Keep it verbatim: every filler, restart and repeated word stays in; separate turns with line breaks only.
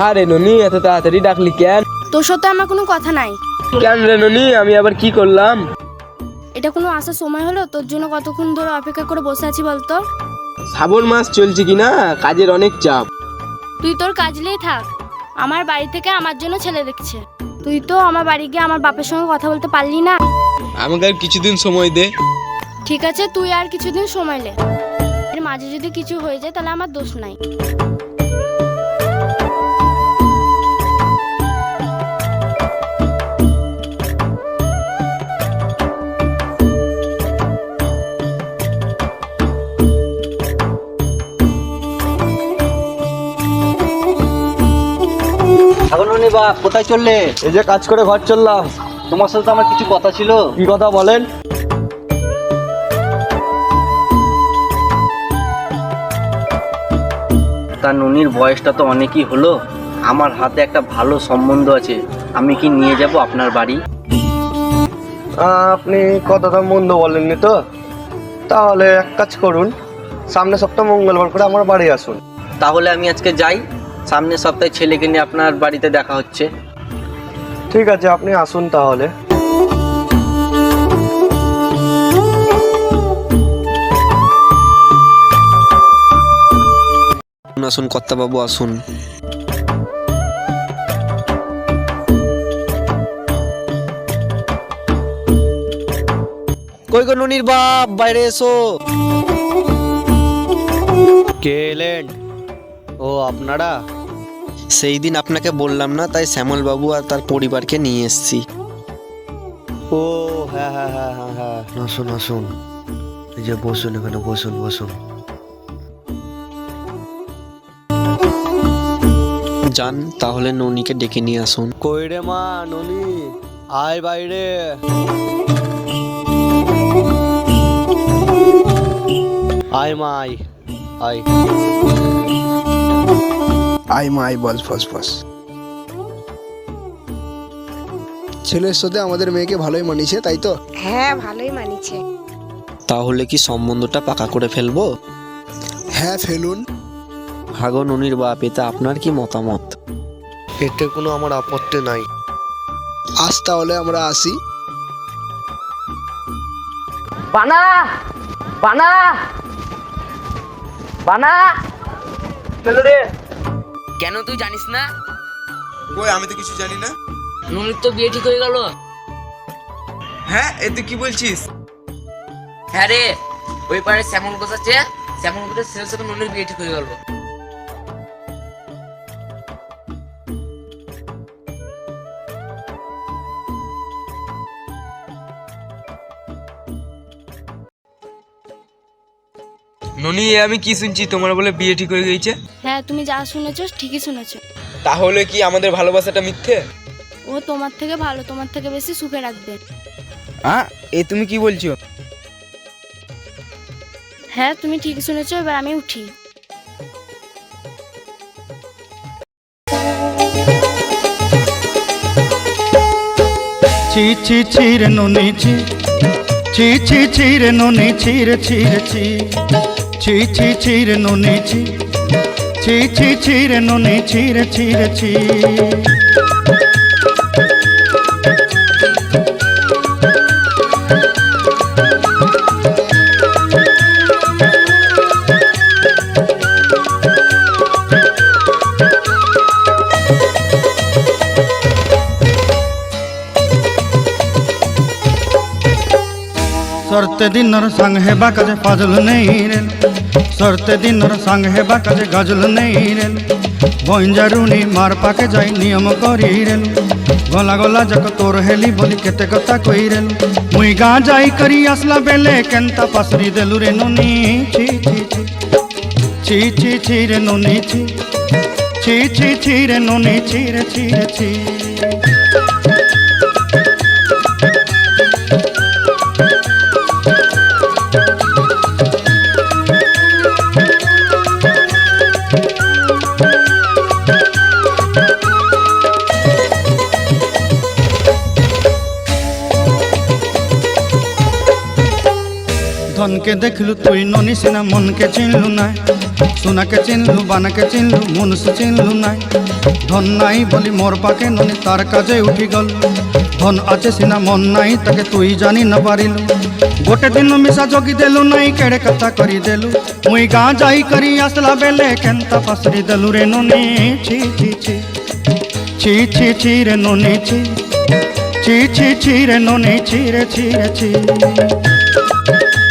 আরে ননি, এত তাড়াতাড়ি ডাকলি কেন?
তোর সাথে আমার কোনো কথা নাই।
কেন রে ননি, আমি আবার কি করলাম?
এটা কোনো আসার সময় হলো? তোর জন্য কতক্ষণ ধরে অপেক্ষা করে বসে আছি বলতো।
শ্রাবণ মাস চলছে কি না, কাজের অনেক চাপ।
তুই তোর কাজ নিয়েই থাক। আমার বাড়ি থেকে আমার জন্য ছেলে দেখছে। তুই তো আমার বাড়ি গিয়ে আমার বাপের সঙ্গে কথা বলতে পারলি না।
আমাকে আর কিছুদিন সময় দে।
ঠিক আছে, তুই আর কিছুদিন সময় নে। এর মাঝে যদি কিছু হয়ে যায় তাহলে আমার দোষ নাই।
ঠাকুরমণি বা কোথায় চললে?
এই যে কাজ করে ঘর চললাম।
তোমার সাথে তো আমার কিছু কথা ছিল।
কি কথা বলেন?
তার ননির বয়সটা তো অনেকই হলো, আমার হাতে একটা ভালো সম্বন্ধ আছে, আমি কি নিয়ে যাব আপনার বাড়ি?
আপনি কথাটা মন্দ বলেননি তো। তাহলে এক কাজ করুন, সামনের সপ্তাহ মঙ্গলবার করে আমার বাড়ি আসুন।
তাহলে আমি আজকে যাই, সামনের সপ্তাহে ছেলেকে নিয়ে আপনার বাড়িতে দেখা হচ্ছে।
ঠিক আছে, আপনি আসুন তাহলে।
আসুন কর্তাবাবু, আসুন। কই গো ননির বাপ, বাইরে এসো।
কে এলেন? ও আপনারা?
সেই দিন আপনাকে বললাম না, তাই শ্যামল বাবু আর তার পরিবারকে নিয়ে এসেছি।
ও হ্যাঁ হ্যাঁ হ্যাঁ হ্যাঁ হ্যাঁ আসুন আসুন, এই যে বসুন, এখানে বসুন বসুন।
যান তাহলে ননিকে ডেকে নিয়ে আসুন।
কই রে মা ননি, আয় বাইরে। আয় মা আয় আয়।
আই মাই বস ফস ফস। ছেলের সাথে আমাদের মেয়েকে ভালোই মানিয়েছে, তাই তো?
হ্যাঁ, ভালোই মানিছে।
তাহলে কি সম্বন্ধটা পাকা করে ফেলবো?
হ্যাঁ, ফেলুন।
হাগো ননির বাপ, এতে আপনার কি মতামত?
এতে কোনো আমার আপত্তি নাই।
আজ তাহলে আমরা আসি।
বানা বানা বানা
কেন তুই জানিস না?
কই, আমি তো কিছু জানি না।
ননির তো বিয়ে ঠিক হয়ে গেল।
হ্যাঁ, এ তুই কি বলছিস?
হ্যাঁ রে, ওই পারে শ্যামল গোছ আছে, শ্যামল গোছের ছেলের সাথে ননির বিয়ে ঠিক হয়ে গেল।
ননি, এ আমি কি শুনছি, তোমার বলে বিয়ে ঠিক হয়ে গেছে?
হ্যাঁ, তুমি যা শুনেছো ঠিকই শুনেছো।
তাহলে কি আমাদের ভালোবাসাটা মিথ্যে?
ও তোমার থেকে ভালো, তোমার থেকে বেশি সুখে রাখবে।
হ্যাঁ, এ তুমি কি বলছো?
হ্যাঁ, তুমি ঠিক শুনেছো। এবার আমি উঠি।
ছি ছি ছি রে ননি ছি, ছি ছি ছি রে ননি ছি রে ছি রে ছি, ছি ছি ছি রে ননি ছি, ছি ছি ছি রে ননি ছি রে ছি রে ছি। সরতে দিনর সঙ্গ হেবা কাজে পাজল নেই রেল, সরতে দিনর সঙ্গ হেবা কাজে গাজল নেই রেল। বঞ্জারুনি মার পাকে যাই নিয়ম করি রেল, গলা গলা যাক তোর হেলি বলি কেতে কথা কই রেল। মুই গাঁ যাই করি আসলা বেলে কেনতা পাসরি দেলু রে ননি ছি ছি ছি, ছি ছি ছি রে ননি ছি, ছি ছি ছি রে ননি ছি রে ছি রে ছি। ধনকে দেখলু তুই ননি সিনা মনকে চিনলু নাই, সোনাকে চিনলু বানাকে চিনলু মনুষ চিনলু নাই। ধন নাই বলি মোর পাকে ননি তার কাজে উঠি গল, ধন আছে সিনা মন নাই তাকে তুই জানি না পারিলু। গোটে দিন মিশা জগি দেলু নাই কেড়ে কথা করি দেলু, মুই গাঁ যাই করি আসলা বেলে কেনতা পাসরি দেলু রে ননি ছি ছি ছি ছি ছি ছি রে ননি ছি ছি ছি ছি রে ননি ছি রে ছি রে ছি।